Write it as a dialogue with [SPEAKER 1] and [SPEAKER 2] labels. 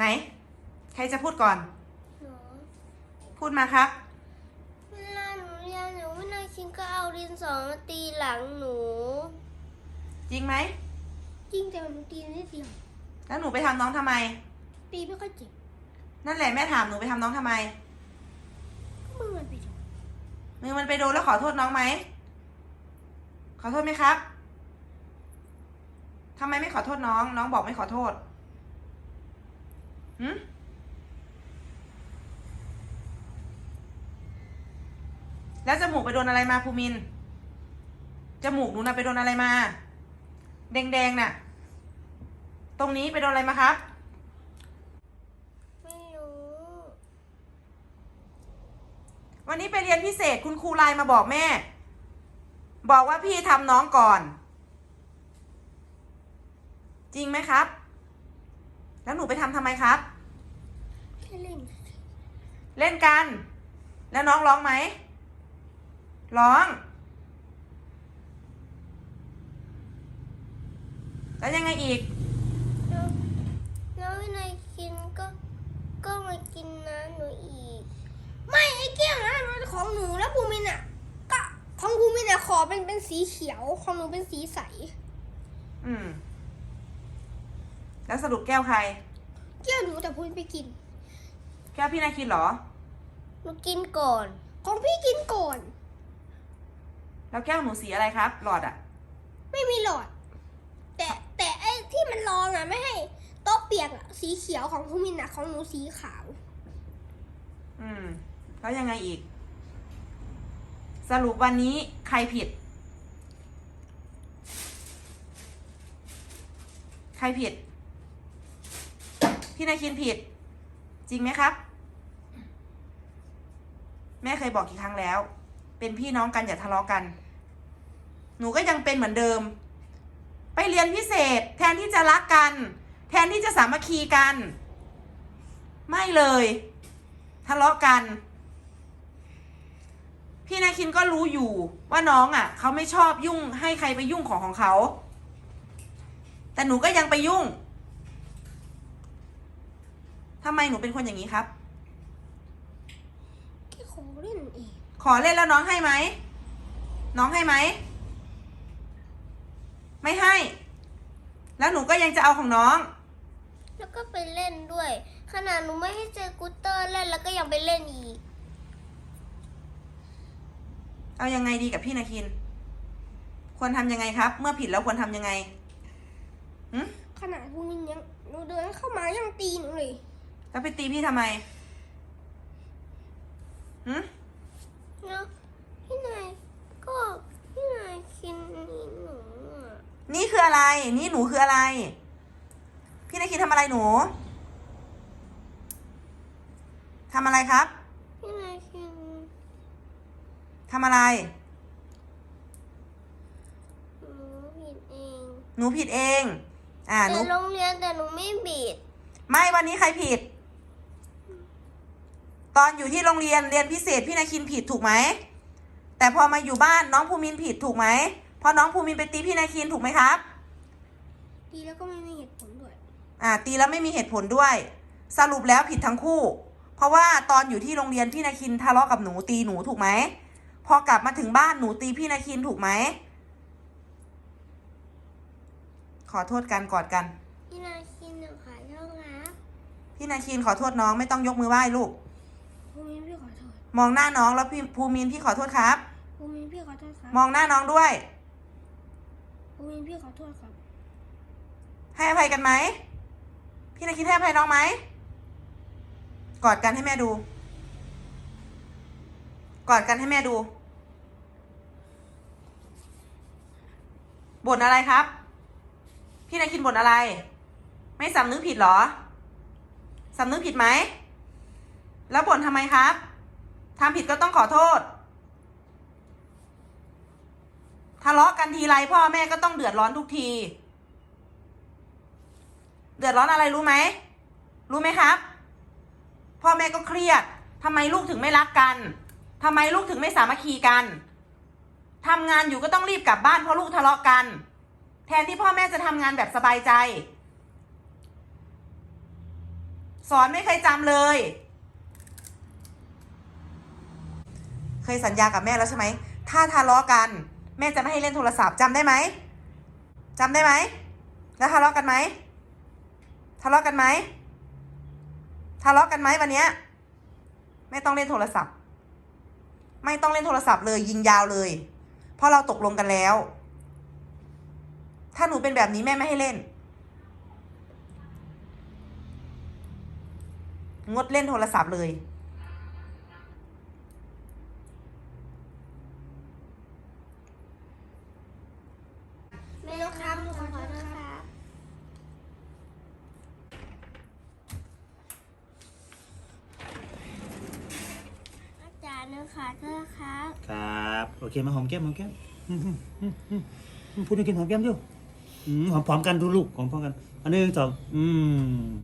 [SPEAKER 1] ไหนใครจะพูดก่อน
[SPEAKER 2] หนู
[SPEAKER 1] พูดมาครับ
[SPEAKER 2] เวลาหนูเรียนหนูไม่นายคินก็เอาดินสอมาตีหลังหนู
[SPEAKER 1] จริงไหม
[SPEAKER 2] จริงแต่หนูตีนิดเดียว
[SPEAKER 1] แล้วหนูไปทำน้องทำไม
[SPEAKER 2] ตีไม่ค่อยเจ็บ
[SPEAKER 1] นั่นแหละแม่ถามหนูไปทำน้องทำไม
[SPEAKER 2] มือมันไปโดน
[SPEAKER 1] มือมันไปโดนแล้วขอโทษน้องไหมขอโทษไหมครับทำไมไม่ขอโทษน้องน้องบอกไม่ขอโทษแล้วจมูกไปโดนอะไรมาภูมินจมูกหนูน่ะไปโดนอะไรมาแดงๆน่ะตรงนี้ไปโดนอะไรมาครับ
[SPEAKER 2] ไม่รู้
[SPEAKER 1] วันนี้ไปเรียนพิเศษคุณครูไลน์มาบอกแม่บอกว่าพี่ทำน้องก่อนจริงไหมครับแล้วหนูไปทำไมครับ
[SPEAKER 2] แค่เล่น
[SPEAKER 1] เล่นกันแล้วน้องร้องไหมร้องแล้วยังไงอีก
[SPEAKER 2] แล้วนายคินก็มากินน้ำหนูอีกไม่ไอ้แก้วนะมันของหนูแล้วภูมินอ่ะก็ของภูมินอ่ะขอเป็นสีเขียวของหนูเป็นสีใส
[SPEAKER 1] แล้วสรุปแก้วใคร
[SPEAKER 2] แก้วหนูแต่ภูมินไปกิน
[SPEAKER 1] แก้วพี่นายคินเหรอ
[SPEAKER 2] หนูกินก่อนของพี่กินก่อน
[SPEAKER 1] แล้วแก้วหนูสีอะไรครับหลอดอ่ะ
[SPEAKER 2] ไม่มีหลอดแต่ไอ้ที่มันรองอ่ะไม่ให้โต๊ะเปียกอ่ะสีเขียวของภูมินอ่ะของหนูสีขาว
[SPEAKER 1] แล้วยังไงอีกสรุปวันนี้ใครผิดใครผิดพี่นายคินผิดจริงไหมครับแม่เคยบอกกี่ครั้งแล้วเป็นพี่น้องกันอย่าทะเลาะกันหนูก็ยังเป็นเหมือนเดิมไปเรียนพิเศษแทนที่จะรักกันแทนที่จะสามัคคีกันไม่เลยทะเลาะกันพี่นายคินก็รู้อยู่ว่าน้องอ่ะเขาไม่ชอบยุ่งให้ใครไปยุ่งของเขาแต่หนูก็ยังไปยุ่งทำไมหนูเป็นคนอย่างนี้ครับ
[SPEAKER 2] แค่ขอเล่นเอง
[SPEAKER 1] ขอเล่นแล้วน้องให้ไหมน้องให้ไหมไม่ให้แล้วหนูก็ยังจะเอาของน้อง
[SPEAKER 2] แล้วก็ไปเล่นด้วยขนาดหนูไม่ให้เจอกูเตอร์เล่นแล้วก็ยังไปเล่นอีก
[SPEAKER 1] เอายังไงดีกับพี่นาคินควรทำยังไงครับเมื่อผิดแล้วควรทำยังไง
[SPEAKER 2] ขนาดพวกนี้ยังหนูเดินเข้ามายังตีหนูเลย
[SPEAKER 1] แล้วไปตีพี่ทำไม
[SPEAKER 2] เนาะพี่นายคินนี่หนู
[SPEAKER 1] นี่คืออะไรนี่หนูคืออะไรพี่นายคินทำอะไรหนูทำอะไรครับ
[SPEAKER 2] พี่นายคิน
[SPEAKER 1] ทำอะไร
[SPEAKER 2] หนูผิดเอง
[SPEAKER 1] หนู
[SPEAKER 2] โรงเรียนแต่หนูไม่ผิด
[SPEAKER 1] ไม่วันนี้ใครผิดตอนอยู่ที่โรงเรียนเรียนพิเศษพี่นายคินผิดถูกไหมแต่พอมาอยู่บ้านน้องภูมินผิดถูกไหมพอน้องภูมินไปตีพี่นายคินถูกไหมครับ
[SPEAKER 2] ตีแล้วก็ไม่มีเหตุผลด้วย
[SPEAKER 1] ตีแล้วไม่มีเหตุผลด้วยสรุปแล้วผิดทั้งคู่เพราะว่าตอนอยู่ที่โรงเรียนพี่นายคินทะเลาะกับหนูตีหนูถูกไหมพอกลับมาถึงบ้านหนูตีพี่นายคินถูกไหมขอโทษกันกอดกัน
[SPEAKER 2] พี่นายคินหนูขอโทษครับ
[SPEAKER 1] พี่นายคินขอโทษน้องไม่ต้องยกมือไหว้ลูก
[SPEAKER 2] ภูมินพี่ขอโทษ
[SPEAKER 1] มองหน้าน้องแล้วภูมินพี่ขอโทษครับ
[SPEAKER 2] ภูมินพี่ขอโทษครับ
[SPEAKER 1] มองหน้าน้องด้วย
[SPEAKER 2] ภูมินพี่ขอโทษครับ
[SPEAKER 1] ให้อภัยกันไหมพี่นายคินให้อภัยน้องไหมกอดกันให้แม่ดูกอดกันให้แม่ดูบ่นอะไรครับพี่นายคินบ่นอะไรไม่สำนึกผิดหรอสำนึกผิดไหมแล้วบ่นทำไมครับทำผิดก็ต้องขอโทษทะเลาะกันทีไรพ่อแม่ก็ต้องเดือดร้อนทุกทีเดือดร้อนอะไรรู้ไหมรู้ไหมครับพ่อแม่ก็เครียดทำไมลูกถึงไม่รักกันทำไมลูกถึงไม่สามัคคีกันทำงานอยู่ก็ต้องรีบกลับบ้านเพราะลูกทะเลาะกันแทนที่พ่อแม่จะทำงานแบบสบายใจสอนไม่เคยจำเลย เคยสัญญากับแม่แล้วใช่ไหมถ้าทะเลาะกัน แม่จะไม่ให้เล่นโทรศัพท์จำได้ไหมจำได้ไหมแล้วทะเลาะกันไหมทะเลาะกันไหมทะเลาะกันไหมวันเนี้ยไม่ต้องเล่นโทรศัพท์ ไม่ต้องเล่นโทรศัพท์เลยยิงยาวเลย เพราะเราตกลงกันแล้ว ถ้าหนูเป็นแบบนี้แม่ไม่ให้เล่น งดเล่นโทรศัพท์เลย
[SPEAKER 2] แม่นกครับหนูขอโทษครับอาจารย์หนูขอโทษครับ
[SPEAKER 3] ครับโอเคมาหอมแก้มพูดให้กินหอมแก้มดิหอมพร้อมกันดูลูกหอมพร้อมกันอันหนึ่งสอง